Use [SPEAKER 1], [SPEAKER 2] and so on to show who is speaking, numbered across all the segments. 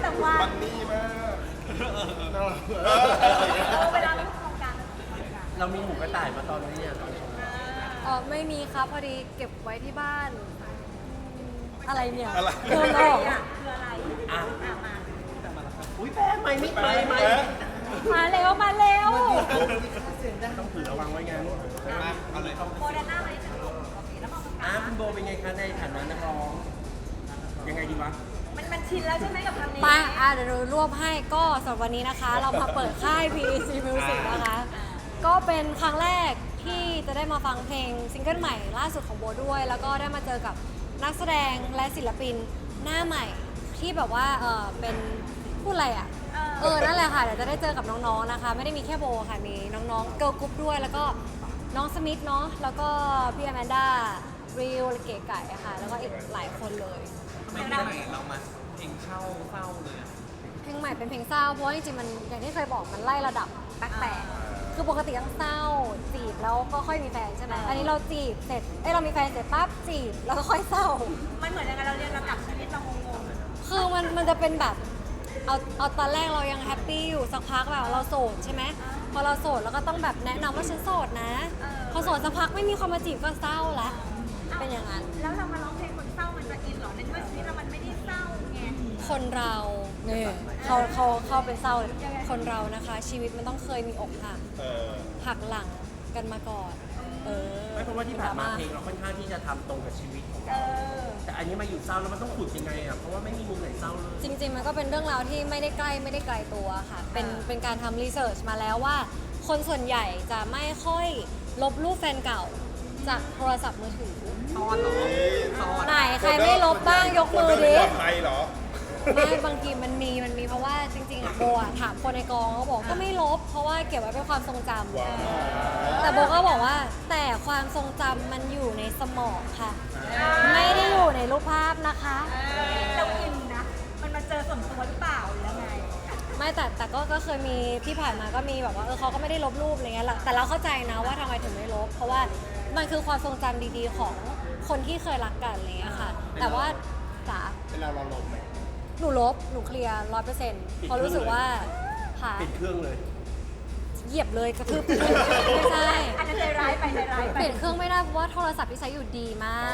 [SPEAKER 1] แต่ว่า
[SPEAKER 2] บันนี่มากน่ารัก
[SPEAKER 1] เวลาเราโครงการ
[SPEAKER 3] เรามีหมูกระต่ายมาตอนนี้ตอนชม
[SPEAKER 4] ไม่มีครับพอดีเก็บไว้ที่บ้านอะไรเนี่ย
[SPEAKER 2] อะไร
[SPEAKER 4] โดนหลอก
[SPEAKER 1] คืออะไร
[SPEAKER 3] อ่ะ
[SPEAKER 1] มา
[SPEAKER 3] อุ้ยแป้งไม่
[SPEAKER 4] มาเร็วมาเร็ว
[SPEAKER 3] ต้องถือระวังไว้ไง
[SPEAKER 2] เอาเลย
[SPEAKER 1] โมเดอร์นาไหมถึงโอเคแล้วมอง
[SPEAKER 3] คุณโบเป็นไงคะในฐานะนักร้องยังไงดีวะ
[SPEAKER 1] มันชินแล้วใช่ไหมกับคำนี้
[SPEAKER 4] มาเดี๋ยวรวบให้ก็สำหรับวันนี้นะคะ เรามาเปิดค่าย PEC Music นะคะ ก็เป็นครั้งแรกที่จะได้มาฟังเพลงซิงเกิลใหม่ล่าสุดของโบด้วย แล้วก็ได้มาเจอกับนักแสดงและศิลปินหน้าใหม่ที่แบบว่าเป็นพูดอะไรอ่ะนั่นแหละค่ะเดี๋ยวจะได้เจอกับน้องๆนะคะ ไม่ได้มีแค่โบค่ะมีน้องๆเกิร์ลกรุ๊ปด้วย แล้วก็น้องสมิธเนาะแล้วก็พี่อแมนด้าริวเก๋ไก่อะค่ะแล้วก็อีกหลายคนเลย
[SPEAKER 5] ไม่ได้ไหนเรามาเพลงเศร้าเลยอะ
[SPEAKER 4] เพลงใหม่เป็นเพลงเศร้าเพราะว่าจริงๆมันอย่างที่เคยบอกมันไล่ระดับแปลกๆคือปกติต้องเศร้าจีบแล้วก็ค่อยมีแฟนใช่ไหมอันนี้เราจีบเสร็จเรามีแฟนเสร็จปั๊บจีบแล้วก็ค่อยเศร้า
[SPEAKER 1] มันเหมือนยังไงเราเรียนลำดับชีวิตเรางง
[SPEAKER 4] คือมันจะเป็นแบบเอาตอนแรกเรายังแฮปปี้อยู่สักพักแบบเราโสดใช่ไหมพอเราโสดเราก็ต้องแบบแนะนำว่าฉันโสดนะพอโสดสักพักไม่มีคนมาจีบก็เศร้าละเป็นอย่างนั้น
[SPEAKER 1] แล้วเรามาร้องเพลงคนเศร้ามันจะอินหรอในเมื่อชีวิตเรามันไม่ได้เศร้าไง
[SPEAKER 4] คนเราเนี่ยเขาเป็นเศร้าเลยคนเรานะคะ ชีวิตมันต้องเคยมีอกหัก หักหลังกันมาก่อน
[SPEAKER 3] ไม่เพราะว่าที่ผ่านมาเพลงเราค่อนข้างที่จะทำตรงกับชีวิตของเราแต่อันนี้มาอยู่เศร้าแล้วมันต้องขุดยังไงอ่ะเพราะว่าไม่มีมุมไหนเศร้าเลย
[SPEAKER 4] จริงๆ มันก็เป็นเรื่องราวที่ไม่ได้ไกลตัวค่ะ เป็นการทำรีเสิร์ชมาแล้วว่า คนส่วนใหญ่จะไม่ค่อยลบรูปแฟนเก่าจากโทรศัพท์มือถือ
[SPEAKER 5] ตอนเหรอตอน
[SPEAKER 4] ไหนใครไม่ลบบ้างยกมือดิ
[SPEAKER 2] ปลอดภัยเหรอ
[SPEAKER 4] ไม่บางทีมันมีเพราะว่าจริงๆอะโบอะถามคนในกองเขาบอกก็ไม่ลบ เพราะว่าเก็บไว้เป็นความทรงจำ
[SPEAKER 2] ว้าว
[SPEAKER 4] แต่โบก็บอกว่าแต่ความทรงจำมันอยู่ในสมองค่ะ ไม่ได้อยู่ในรูปภาพนะคะ
[SPEAKER 1] เราอินนะ มันมาเจอส่วนตัวหรือเปล่าหรือยังไง
[SPEAKER 4] ไม่แต่ก็เคยมีที่ผ่านมาก็มีแบบว่าเขาก็ไม่ได้ลบรูปอะไรเงี้ยแต่เราเข้าใจนะว่าทำไมถึงไม่ลบ เพราะว่ามันคือความทรงจำดีๆของคนที่เคยรักกันอะไรเงี้ยค่ะ แต่ว่าจ๋า
[SPEAKER 2] เวลาเราลงไหม
[SPEAKER 4] หนูลบหนูเคลียร์100%เพราะรู้สึกว่าค่ะ
[SPEAKER 3] ปิดเครื่องเลย
[SPEAKER 4] เหยียบเลยกระทืบไม่ใช่
[SPEAKER 1] อันนั้นใจร้ายไปใจร้ายไป
[SPEAKER 4] เปลี่ยนเครื่องไม่ได้เพราะว่าโทรศัพท์ที่ใช้อยู่ดีมาก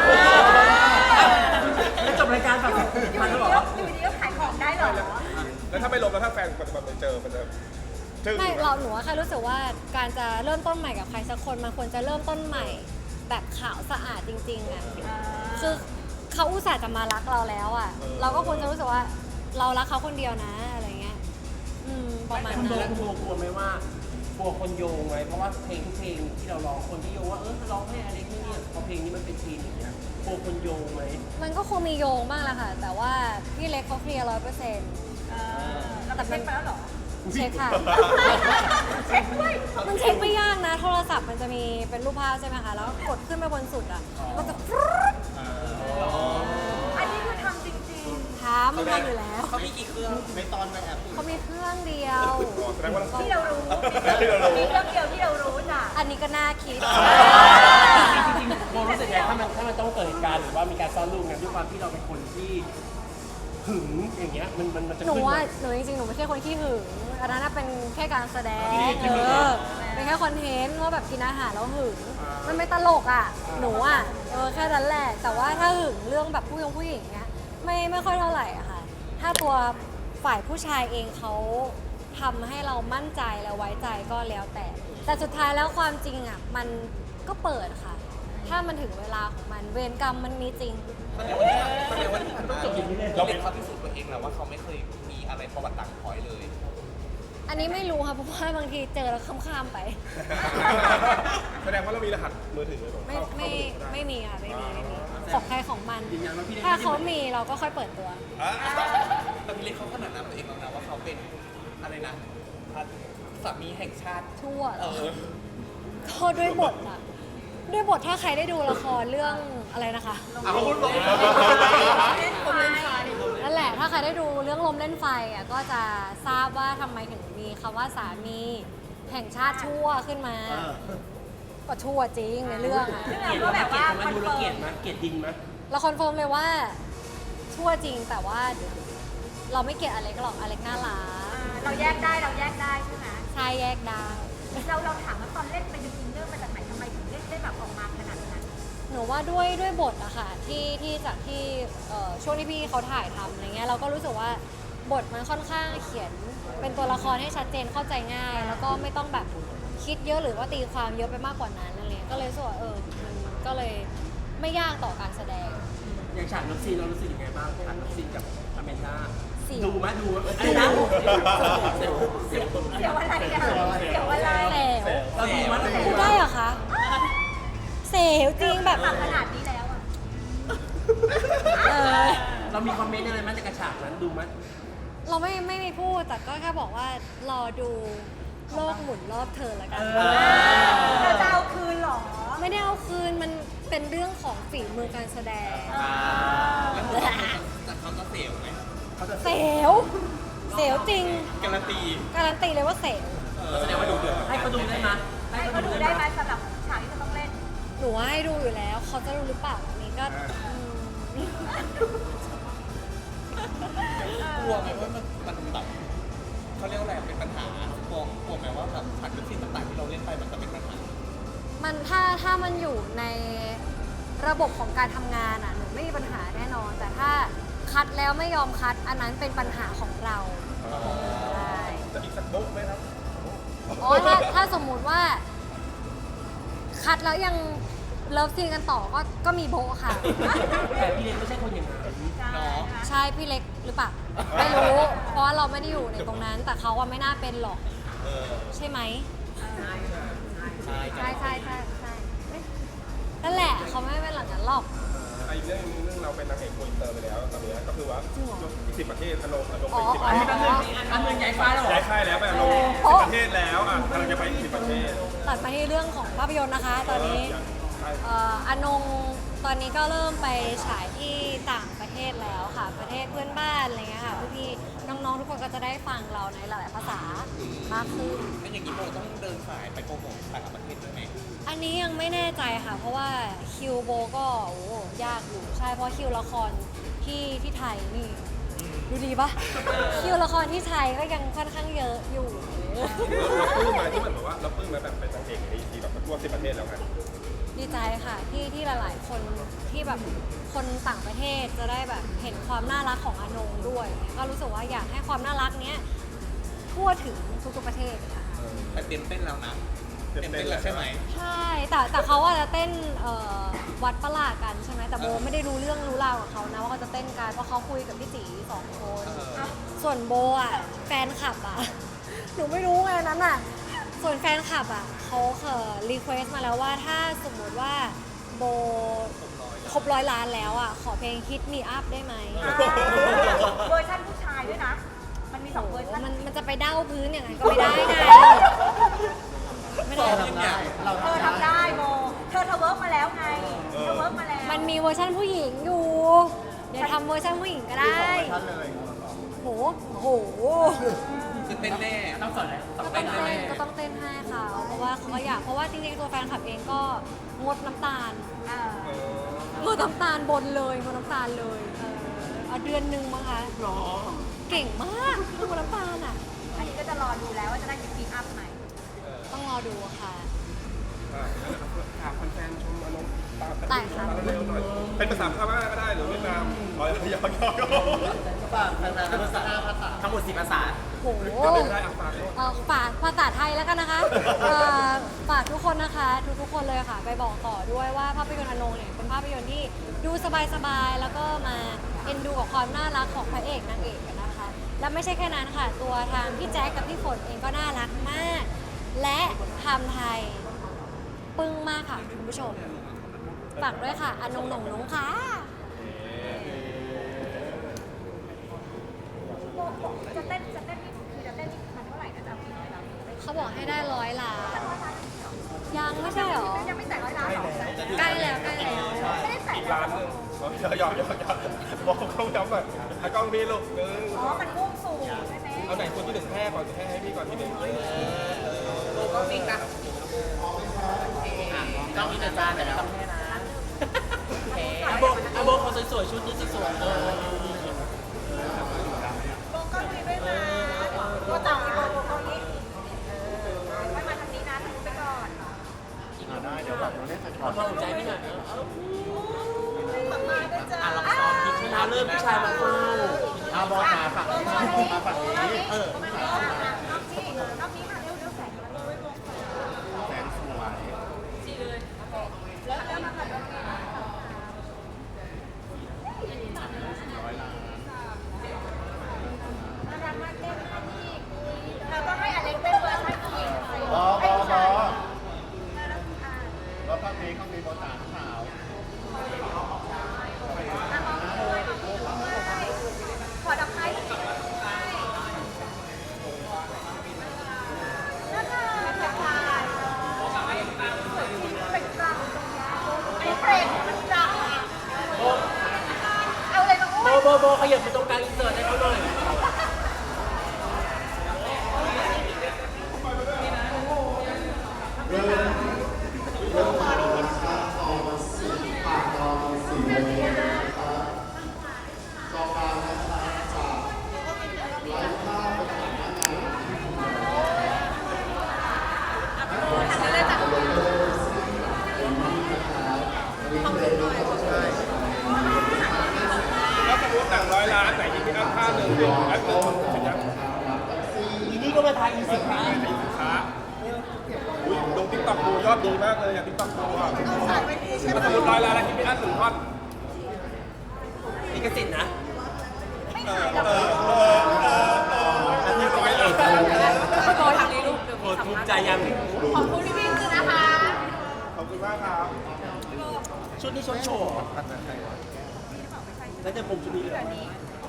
[SPEAKER 3] ไม่จบรายการแบบ
[SPEAKER 1] อยู่
[SPEAKER 3] มัน
[SPEAKER 1] ดี
[SPEAKER 3] หรอ
[SPEAKER 1] อยู่ดีก็ขายของได้เหรอ
[SPEAKER 2] แล้วถ้าไม่ลงแล้วถ้าแฟนมันจะแบบไปเจอมันจะจึ้ง
[SPEAKER 4] ไม่หนูว่าแค่รู้สึกว่าการจะเริ่มต้นใหม่กับใครสักคนมันควรจะเริ่มต้นใหม่แบบขาวสะอาดจริงๆอ่ะคือเขาอุตส่าห์จะมารักเราแล้วอ่ะเราก็ควรจะรู้สึกว่าเรารักเขาคนเดียวนะอะไรเงี้ยประมาณ
[SPEAKER 3] คุณโบ
[SPEAKER 4] นั้น
[SPEAKER 3] กลัวไหมว่ากลัวคนโยงไหมเพราะว่าเพลงทุกเพลงที่เราร้องคนที่โยงว่าร้องให้อะไรที่นี่พอเพลงนี้มันเป็นซีนอย่างเงี้ยกลัวคนโยงไหม
[SPEAKER 4] มันก็คงมีโยงบ้างแหละค่ะ แต่ว่าพี่เล็กเขาเคลียร์100%
[SPEAKER 1] เราไปเช็คไปแล้วเหรอ
[SPEAKER 4] เช็คค่ะ
[SPEAKER 1] เช็คด้วย
[SPEAKER 4] มันเช็คไม่ยากนะ โทรศัพท์มันจะมีเป็นรูปภาพใช่ไหมคะ แล้วกดขึ้นไปบนสุดอ่ะ มันจะฟรึ๊ด
[SPEAKER 1] อันนี้คือทำจริง
[SPEAKER 4] มันทำอยู่แล้ว
[SPEAKER 5] เขามีกี่เครื่อง
[SPEAKER 2] ในตอนในแอป
[SPEAKER 4] เขามีเครื่องเดียว
[SPEAKER 2] แสดงว่า
[SPEAKER 1] ๆ ที่เรารู้
[SPEAKER 2] ที่เรารู้
[SPEAKER 1] มีเรื่องเดียวที่เรารู้จ้ะ
[SPEAKER 4] อันนี้ก็น่าคิด
[SPEAKER 3] จริงๆโบรู้สึกไงถ้ามันต้องเกิดเหตุการณ์หรือว่ามีการซ่อนรูปไงด้วยความที่เราเป็นคนที่หึงอย่างเงี้ยมันจะ
[SPEAKER 4] หนู
[SPEAKER 3] ขึ้น
[SPEAKER 4] ว่า
[SPEAKER 3] มา
[SPEAKER 4] หนูจริงๆ หนูไม่ใช่คนขี้หึง อันนั้นนะเป็นแค่การแสดง เป็นแค่คอนเทนต์ว่าแบบกินอาหารแล้วหึง มันไม่ตลกอ่ะ หนูอ่ะแค่นั้นแหละ แต่ว่าถ้าหึงเรื่องแบบผู้หญิงเนี้ยไม่ค่อยเท่าไหร่อะค่ะ ถ้าตัวฝ่ายผู้ชายเองเขาทำให้เรามั่นใจและไว้ใจก็แล้วแต่สุดท้ายแล้วความจริงอ่ะมันก็เปิดค่ะ ถ้ามันถึงเวลาของมันเวรกรรมมันมีจริง
[SPEAKER 5] แสดงว่าที่ผ่านมาเราเป็นเขาพิสูจน์ตัวเองแล้วว่าเขาไม่เคยมีอะไรประวัติต่างพอยเลย
[SPEAKER 4] อันนี้ไม่รู้ค่ะเพราะว่าบางทีเจอแล้วข้ามๆไป
[SPEAKER 2] แสดงว่าเรามีรหัสมือถือเลยเหรอ
[SPEAKER 4] ไม่มีค่ะไม่มีของใครของมัน ถ้าเขามีเราก็ค่อยเปิดตัว
[SPEAKER 5] แต่พี่เล็กเขาขนาดนั้นตัวเองแล้วนะว่าเขาเป็นอะไรนะสามีแห่งชาติ
[SPEAKER 4] ชั่วก็ด้วยบทอะด้วยบทถ้าใครได้ดูละครเรื่องอะไรนะคะ
[SPEAKER 5] เอาลง
[SPEAKER 4] นั่นแหละถ้าใครได้ดูเรื่องลมเล่นไฟอะก็จะทราบว่าทำไมถึงมีคำว่าสามีแห่งชาติชั่วขึ้นมา ก็ชั่วจริงในเรื่องอะ
[SPEAKER 3] เกลียดว่าแบบว่ามันดูแล้วเกลียดมั้ยเกลียดดินมั้ย
[SPEAKER 4] เราคอนเฟิร์มเลยว่าชั่วจริงแต่ว่าเราไม่เกลียดอเล็กหรอกอเล็กน่ารัก
[SPEAKER 1] เราแยกได้ใช่ไหม
[SPEAKER 4] ชายแยกได้
[SPEAKER 1] เราถามว่าตอนเล่นไปดึงอินเนอร์มาจากไหนทำไมถึงเล่นได้แบบออกมาขนาดนั้น
[SPEAKER 4] หนูว่าด้วยบทอะค่ะที่จากที่ช่วงที่พี่เขาถ่ายทำอะไรเงี้ยเราก็รู้สึกว่าบทมันค่อนข้างเขียนเป็นตัวละครให้ชัดเจนเข้าใจง่าย แล้วก็ไม่ต้องแบบคิดเยอะหรือว่าตีความเยอะไปมากกว่านั้นอะไรเงี้ยก็เลยรู้สึกว่ามันก็เลยไม่ยากต่อการแสดง
[SPEAKER 3] อย่างฉากนับซีนเรารู้สึกยังไงบ้างฉากนับซีนกับอเมนดา
[SPEAKER 4] เสียว
[SPEAKER 3] ดูไหมดูอะไรนะเสียว
[SPEAKER 1] เสียวอะไรอะเสียวอะไร
[SPEAKER 4] แสว
[SPEAKER 3] เราดูมั้ย
[SPEAKER 4] พูดได้เหรอคะเสียวจริงแบบ
[SPEAKER 1] ปากขนาดนี้แล้วอะ
[SPEAKER 3] เรามีคอมเมนต์อะไรไหมจากกระฉากนั้นดูมั้ย
[SPEAKER 4] เราไม่มีพูดแต่ก็แค่บอกว่ารอดูโลกหมุนรอบเธอแล้วกัน
[SPEAKER 1] เราจะเอาคืนเหรอ
[SPEAKER 4] ไม่ได้เอาคืนมันเป็นเรื่องของฝีมือการแสดง
[SPEAKER 5] แล้วแต่เขาจะเสียวไหม
[SPEAKER 4] เสียวจริง
[SPEAKER 5] การันตี
[SPEAKER 4] การันตีเลยว่าเสียว
[SPEAKER 3] แสดงว่าดูเดือดให้เขาดูได้ไหม
[SPEAKER 1] ให้เขาดูได้ไหมสำหรับฉากที่จะต้องเล่น
[SPEAKER 4] หนูว่าให้ดูอยู่แล้ว เขาจะรู้หรือเปล่าอันนี้ก็อืม
[SPEAKER 5] กลัวไหมว่ามันแบบเขาเรียกว่าอะไรเป็นปัญหากลัวไหมว่าแบบฉากเลิฟซีนต่างๆที่เราเล่นไปมันจะเป็นปัญหา
[SPEAKER 4] มันถ้ามันอยู่ในระบบของการทำงานอ่ะหนูไม่มีปัญหาแน่นอน แต่ถ้าคัดแล้วไม่ยอมคัด อันนั้นเป็นปัญหาของเราใช่
[SPEAKER 2] จะอีกสักโบ๊ะไหมครับ
[SPEAKER 4] อ๋อถ้าสมมุติว่า คัดแล้วยังเลิฟซีนกันต่อก็มีโบะค่ะ
[SPEAKER 3] แต่พี่เล็กไม่ใช่คนอย่างนั้น
[SPEAKER 5] เนาะ
[SPEAKER 4] ใช่พี่เล็กหรือเปล่าไม่รู้ เพราะว่าเราไม่ได้อยู่ในตรงนั้น แต่เขาว่าไม่น่าเป็นหรอก ใช่ไหม
[SPEAKER 5] ใช่
[SPEAKER 4] ใช่นั่นแหละเขาไม่เป็นหลังนั้นหรอก
[SPEAKER 2] อีกเรื่องนึงเราเป็นนางเอกโกอินเตอร์ไปแล้วตอนนี้ก็คือว่า
[SPEAKER 4] จริงเหรอ
[SPEAKER 2] 10 ประเทศอนงไป
[SPEAKER 4] อ๋อ
[SPEAKER 2] 10 ประเทศ
[SPEAKER 3] อันเมืองใหญ่ฟ้าแล้วเหรอ
[SPEAKER 2] ย้ายค่ายแล้วไปอนง
[SPEAKER 4] โอ้
[SPEAKER 2] 10 ประเทศแล้วกำลังจะไปอีก10 ประเทศ
[SPEAKER 4] ตัดมาที่เรื่องของภาพยนตร์นะคะ ตอนนี้
[SPEAKER 2] ใช่
[SPEAKER 4] อนงตอนนี้ก็เริ่มไปฉายที่ต่างประเทศแล้วค่ะ ประเทศเพื่อนบ้านอะไรเงี้ยค่ะพี่ๆน้องๆทุกคนก็จะได้ฟังเราในหลายๆภาษามากขึ้น
[SPEAKER 5] แล้วอย่างนี้โบต้องเดินสายไปโปรโมทต่างประเทศด้วยไหม
[SPEAKER 4] อันนี้ยังไม่แน่ใจค่ะ เพราะว่าคิวโบก็โอ้ยากอยู่ใช่เพราะคิวละครที่ไทยนี่ดูดีปะคิวละครที่ไทยก็ยังค่อนข้างเยอะอยู่
[SPEAKER 2] เราปลื้มมาที่เหมือนแบบว่าเราปลื้มมาแบบเป็นนางเอกในทีแบบทั่ว10 ประเทศแล้วไง
[SPEAKER 4] ดีใจค่ะที่หลายๆคนที่แบบคนต่างประเทศจะได้แบบเห็นความน่ารักของอนงด้วยก็รู้สึกว่าอยากให้ความน่ารักเนี้ยทั่วถึงทุกๆประเทศค่ะ
[SPEAKER 5] แต่เต็มเต้นแล้วนะเต็มเต้นแล้วใช่ไหม
[SPEAKER 4] ใช่แต่เขาอาจจะเต้นวัดประหลาดกันใช่ไหมแต่โบไม่ได้รู้เรื่องรู้ราวกับเขานะว่าเขาจะเต้นกันเพราะเขาคุยกับพี่จี2 คน ส่วนโบอ่ะแฟนคลับอ่ะ หนูไม่รู้ไงนั้นอ่ะ ส่วนแฟนคลับอ่ะเขารีเควสมาแล้วว่าถ้าสมมุติว่าโบครบ100 ล้านแล้วอ่ะขอเพลง Hit Me Up ได้ไหม
[SPEAKER 1] เวอร์ชันผู้ชายด้วยนะ มันมี2เวอร์ชัน
[SPEAKER 4] มันจะไปเด้าพื้นอย่างนั้นก็ไม่ได้ไงไม่ได้
[SPEAKER 5] อย่างเงี้ย
[SPEAKER 1] เธอทำได้โบเธอเวิร์กมาแล้วไงเธอเวิร์กมาแล้ว
[SPEAKER 4] มันมีเวอร์ชันผู้หญิงอยู่ เดี๋ยวทำเวอร์ชันผู้หญิงก็ได้โห
[SPEAKER 5] คือเต้นแน่
[SPEAKER 3] ต้องสอนอะไร
[SPEAKER 4] ก็ต้องเต้นก็ต้องเต้นให้เขาเพราะว่าเขาก็อยากเพราะว่าจริงๆตัวแฟนคลับเองก็งดน้ำตาลงดน้ำตาลบนเลยงดน้ำตาลเลยเอาเดือนหนึ่งมั้งคะ
[SPEAKER 3] หรอ
[SPEAKER 4] เก่งมากงดน้ำตาลอ่ะ
[SPEAKER 1] อันนี้ก็จะรอดูแล้วว่าจะได้กินปีอัพไหม
[SPEAKER 4] ต้องรอดูค่ะ
[SPEAKER 2] ถามแฟนๆชมอนงตาม
[SPEAKER 4] ได้ค่ะ
[SPEAKER 2] เร็วๆหน่อยเป็นภาษาพม่าก็ได้หรือเวียดนามยอก
[SPEAKER 3] ทั้งหมด10 ภาษา
[SPEAKER 4] โห
[SPEAKER 2] ไม่ได้ฝากด้วย
[SPEAKER 4] ฝากภาษาไทยแล้วกันนะคะฝากทุกคนนะคะทุกคนเลยค่ะ ไปบอกต่อด้วยว่าภาพยนตร์อนงเนี่ยเป็นภาพยนตร์ที่ดูสบายๆแล้วก็มาเอ็นดูกับความน่ารักของพระเอกนางเอกกันนะคะ และไม่ใช่แค่นั้นค่ะ ตัวทางพี่แจ๊คกับพี่ฝนเองก็น่ารักมาก และทำไทยปึ้งมากค่ะคุณผู้ชมฝากด้วยค่ะอนงหนงนงค่ะ
[SPEAKER 1] จะเต้นนี่คือจะเต้นนี่มันเท่าไหร่นะจ๊ะพี่น้อยเรา
[SPEAKER 4] เขาบอกให้ได้100 ล้าน ยังไม่ใช่หรอ
[SPEAKER 1] ยังไม่แตะ100 ล้านหรอ
[SPEAKER 4] ใกล้แล้วใกล้แล้ว
[SPEAKER 1] ไม่ได้แตะ
[SPEAKER 2] อีกล้านหนึงยอกบอกกล้องย้ำหน่อยให้กล้องพี่ลูกนึง
[SPEAKER 1] อ๋อ มันมุ่งสู่ใช่ไหม
[SPEAKER 2] เอาไหนคนที่หนึ่งแพ้ก่อนแพ้ให้พี่ก่อนทีหนึ่ง
[SPEAKER 5] ก็ฟิกนะ
[SPEAKER 3] ต้องมีแต่จานแต่ไม่ต้องแค่นะอาโบเขาสวยๆชุดนี้สวยๆำความสนใจไม่หน่อยเนอะ
[SPEAKER 5] อ่ะเราซ้อมคิด
[SPEAKER 3] เวลาเริ่มผู้ชายมาเฝ้า
[SPEAKER 2] อาบอสมาฝั่งนี้มาฝั่งนี้
[SPEAKER 3] เออ
[SPEAKER 1] รอบนี้ค่ะเร็วแสงมาเร็ว
[SPEAKER 2] แสงสวย
[SPEAKER 1] แล้วมาแบบ
[SPEAKER 2] 100 ล้าน
[SPEAKER 1] น่ารักมากเต้นอันนี้เราต้องให้อเล็กเต้นเวอร์ชันผู้หญิง
[SPEAKER 2] บอแล้วภาพนี้เขามีโบตาขาว
[SPEAKER 1] ขอดอกไม้น่ารักเป็นกลางเป็นกลางไอ้เฟรมมันกลางเอาเลยมาอ้วน
[SPEAKER 3] โบขยับไปตรงกลางอินเสิร์ตให้เขาหน่อย
[SPEAKER 2] แล้วสมมติหนัง100 ล้านไหนที่พี่อ้ำค่าหนึ่งเป็นแอปหนึ่งถึงจะ
[SPEAKER 3] อีนี่ก็มาทายอีสินค้า
[SPEAKER 2] ให้สินค้าอุ้ยลงติ๊กต็อกดูยอดดีมากเลยอ่ะติ๊กต็อกดูอ่ะถ้าสมมติ100 ล้านแล้วที่พี่อ้ำ1 ท่อน
[SPEAKER 3] ลิขสิทธิ์นะ
[SPEAKER 2] อันนี้100 ล้าน
[SPEAKER 1] โตทางนี้ลูก
[SPEAKER 3] โอ้ทุกข์ใจยัง
[SPEAKER 1] ขอบคุณพี่พี่คือนะคะ
[SPEAKER 2] ขอบคุณมากครับ
[SPEAKER 3] ชุดนี้ชดโชว์เหรอแล้วจะผมชุดนี้เลยเหรอ